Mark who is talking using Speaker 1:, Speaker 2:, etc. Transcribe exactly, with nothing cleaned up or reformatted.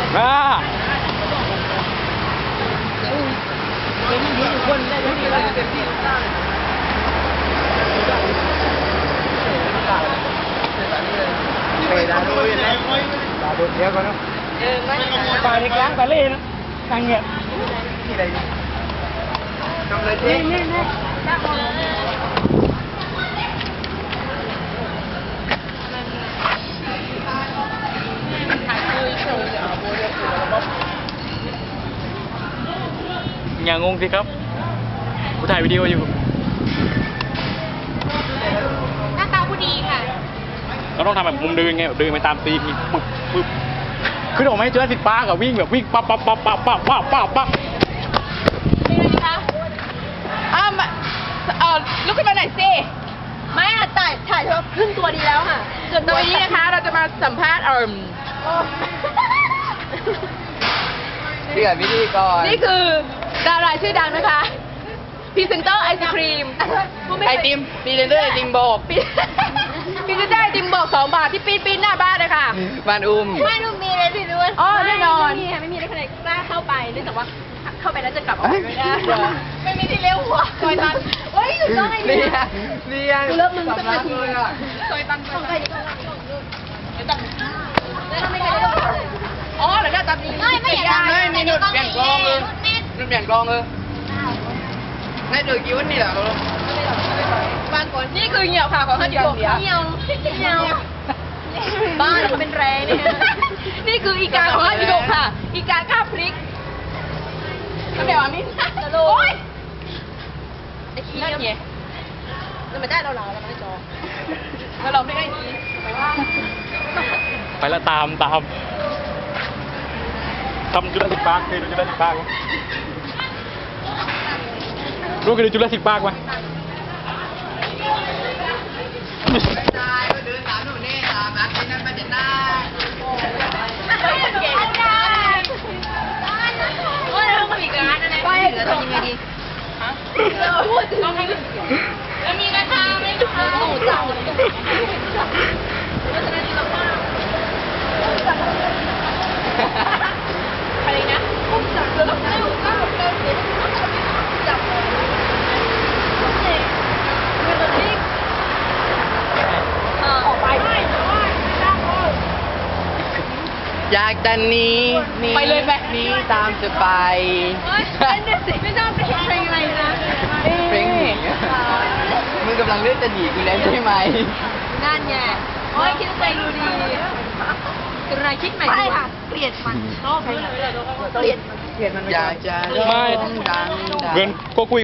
Speaker 1: อ่าไปดาวด้วยนะดาวเดียวกันเนาะเออไม่ไปในกลางไปเล่นทางเงี้ยที่ไหนทำอะไรเจ๊นี่นี่อย่างงสิครับกูถ่ายวิดีโออยู่
Speaker 2: หน้าตาผู้ดีค่ะ
Speaker 1: เราต้องทำแบบมุมเดินไงแบบเดินไปตามตีมปึ๊บปึ๊บขึ้นออกมาให้เจอสิบป้ากับวิ่งแบบวิ่งปั๊บปั๊บปั๊บปั๊บปั๊บปั๊บปั๊บปั๊บ
Speaker 2: เป็นไงคะอ้าวเออลุกขึ้นมาหน่อยสิไม่อะถ่ายถ่ายเฉพาะครึ่งตัวดีแล้วค่ะส่วนตัวนี้นะคะเราจะมาสัมภาษณ์เอิ่ม
Speaker 3: เดือดวิธีก่อน
Speaker 2: นี่คือดาราชื่อดังนะคะพรีเซนเตอร์ไอศครีม
Speaker 3: ไอติมพรีเซนเตอร์ไอติมโบก
Speaker 2: พรีเซนเตอร์ไอติมบอกสองบาทที่ปีนปีนหน้าบ้านเลยค่ะ
Speaker 3: บ้านอุ้ม
Speaker 2: ไม่ต้องมีเลยสิด้วยอ๋อแน่นอนไม่มีค่ะไม่มีอะไรใครกล้าเข้าไปเนื่องจากว่าเข้าไปแล้วจะกลับออกไปไม่ได้ไม่มีที่เลี้ยวหัวซอยตันเฮ้ยอยู่ตรงไหน
Speaker 3: นี่
Speaker 2: เนี่ย
Speaker 3: นี่
Speaker 2: กูเลิกมึงสักนาที
Speaker 3: เลยอ่ะ
Speaker 2: ซอยตันซอยตันเดี๋ยวจับแล้วทำไมกันอ๋อเดี๋ยวจับนี้ไม่ไม่อยาก
Speaker 3: ไม่มีหนุดเปลี่ยนกองเลยหนุดเปลี่ยนกองเลยในเดือดกี่วันนี่แหละเรา
Speaker 2: บางคนนี่คือเหี่ยวค่ะของท่านเดียวเหี่ยวเหี่ยวบ้านเขาเป็นแรงเนี่ยนี่คืออีกาของท่านเดียวค่ะ อีกาข้าวพริกก็เดี๋ยวอันนี้โอ้ยไอ้ขี้นั่นไงจะมาได้เราเราเราไม่จอแล้วเราไม่ได้นี้ไปว่า
Speaker 1: ไปแล้วตามตามทำจุลศิลป์ปาร์คเคยดูจุลศิลป์ปาร์คไหมรู้เคยดูจุลศิลป์ปาร์คไหม
Speaker 3: ตายเดินตามหนูนี่ตามนัดที่นั่นมาเด็ดหน้า
Speaker 2: ไม่เก่งได้โอ้ยเราอีกร้านอะไรไปแล้วทำยังไงดีฮะพูดต้องให้แล้วมีราคาไหมคะหมูจับแล้วจะได้ดีมากอะไรนะผมจับแล้วก็เร็วเร็วเร็วเร็วจับเลยโอเคเงินที่ออกไปไม่ไม่ได้เลย
Speaker 3: อยากจะหนีหนี
Speaker 2: ไปเลยไป
Speaker 3: หนีตามจะไป
Speaker 2: เล่นด้วยสิไม่ชอบเพลงเพลงอะไรนะ
Speaker 3: เพลงหนีมึงกำลังเลือกจะหนีกูแล้วใช่ไหม
Speaker 2: นั่นไงโอ้ยคิดใจดูดีกระไรคิดใหม่ดีค่ะเกลียดมันชอบเกลียดเกลียดมัน
Speaker 3: อยากจะ
Speaker 1: ไม่
Speaker 3: ร้องดังๆ
Speaker 1: เงินก็คุย